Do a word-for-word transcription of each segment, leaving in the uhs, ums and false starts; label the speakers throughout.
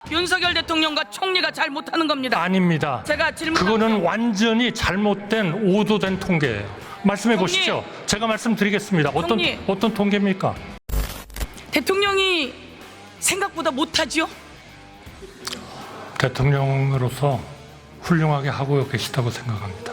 Speaker 1: 윤석열 대통령과 총리가 잘 못하는 겁니다.
Speaker 2: 아닙니다.
Speaker 1: 제가 질문
Speaker 2: 그거는 완전히 잘못된 오도된 통계예요. 말씀해
Speaker 1: 총리.
Speaker 2: 보시죠. 제가 말씀드리겠습니다. 어떤
Speaker 1: 총리.
Speaker 2: 어떤 통계입니까?
Speaker 1: 대통령이 생각보다 못하지요?
Speaker 2: 대통령으로서 훌륭하게 하고 계시다고 생각합니다.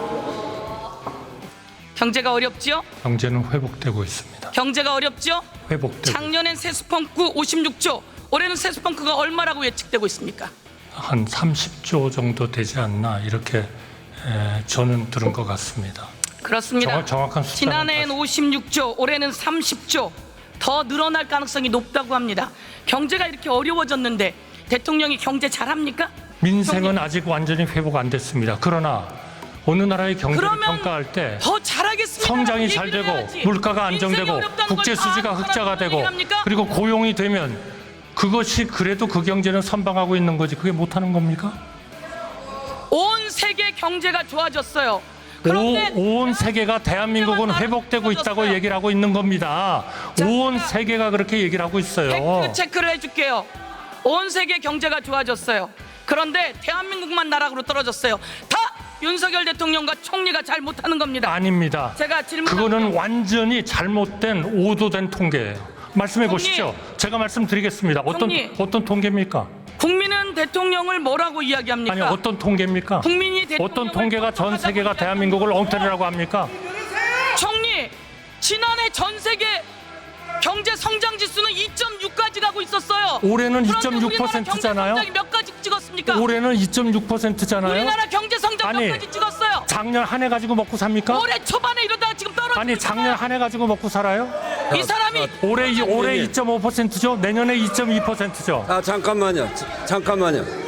Speaker 1: 경제가 어렵지요?
Speaker 2: 경제는 회복되고 있습니다.
Speaker 1: 경제가 어렵죠?
Speaker 2: 회복되고
Speaker 1: 작년엔 세수펑크 오십육 조, 올해는 세수펑크가 얼마라고 예측되고 있습니까?
Speaker 2: 한 삼십 조 정도 되지 않나 이렇게 에, 저는 들은 것 같습니다.
Speaker 1: 그렇습니다.
Speaker 2: 정확, 정확한 숫자는
Speaker 1: 지난해엔 오십육 조, 올해는 삼십 조, 더 늘어날 가능성이 높다고 합니다. 경제가 이렇게 어려워졌는데 대통령이 경제 잘합니까?
Speaker 2: 민생은
Speaker 1: 형님.
Speaker 2: 아직 완전히 회복 안 됐습니다. 그러나 어느 나라의 경제를
Speaker 1: 그러면
Speaker 2: 평가할 때
Speaker 1: 더 잘하겠습니다.
Speaker 2: 성장이 잘 되고 물가가 안정되고 국제 수지가 흑자가 되고 그리고 고용이 되면 그것이 그래도 그 경제는 선방하고 있는 거지 그게 못하는 겁니까?
Speaker 1: 온 세계 경제가 좋아졌어요.
Speaker 2: 오,
Speaker 1: 그런데
Speaker 2: 온 세계가 대한민국은 회복되고 있다고 얘기를 하고 있는 겁니다. 온 세계가 그렇게 얘기를 하고 있어요.
Speaker 1: 팩트 체크를 해줄게요. 온 세계 경제가 좋아졌어요. 그런데 대한민국만 나락으로 떨어졌어요. 다 윤석열 대통령과 총리가 잘 못하는 겁니다.
Speaker 2: 아닙니다.
Speaker 1: 제가 질문
Speaker 2: 그거는 완전히 잘못된 오도된 통계예요. 말씀해
Speaker 1: 총리.
Speaker 2: 보시죠. 제가 말씀드리겠습니다. 어떤
Speaker 1: 총리.
Speaker 2: 어떤 통계입니까?
Speaker 1: 국민은 대통령을 뭐라고 이야기합니까?
Speaker 2: 아니 어떤 통계입니까?
Speaker 1: 국민이 대통령을
Speaker 2: 어떤 통계가 전 세계가 대한민국을 엉터리라고 합니까?
Speaker 1: 총리, 지난해 전 세계 경제 성장 지수는 이 점 육까지 가고 있었어요.
Speaker 2: 올해는
Speaker 1: 그런데
Speaker 2: 이 점 육
Speaker 1: 우리나라
Speaker 2: 퍼센트잖아요.
Speaker 1: 경제 성장이 몇 가지 찍었습니까?
Speaker 2: 올해는 이 점 육 퍼센트잖아요.
Speaker 1: 우리나라 경제 성장
Speaker 2: 아니,
Speaker 1: 몇 가지 찍었어요?
Speaker 2: 작년 한 해 가지고 먹고 삽니까?
Speaker 1: 올해 초반에 이러다가 지금 떨어지고
Speaker 2: 아니 작년 한 해 가지고 먹고 살아요?
Speaker 1: 이 사람이
Speaker 2: 올해 이- 올해
Speaker 3: 총리.
Speaker 2: 이 점 오 퍼센트죠. 내년에 이 점 이 퍼센트죠.
Speaker 3: 아 잠깐만요. 자- 잠깐만요.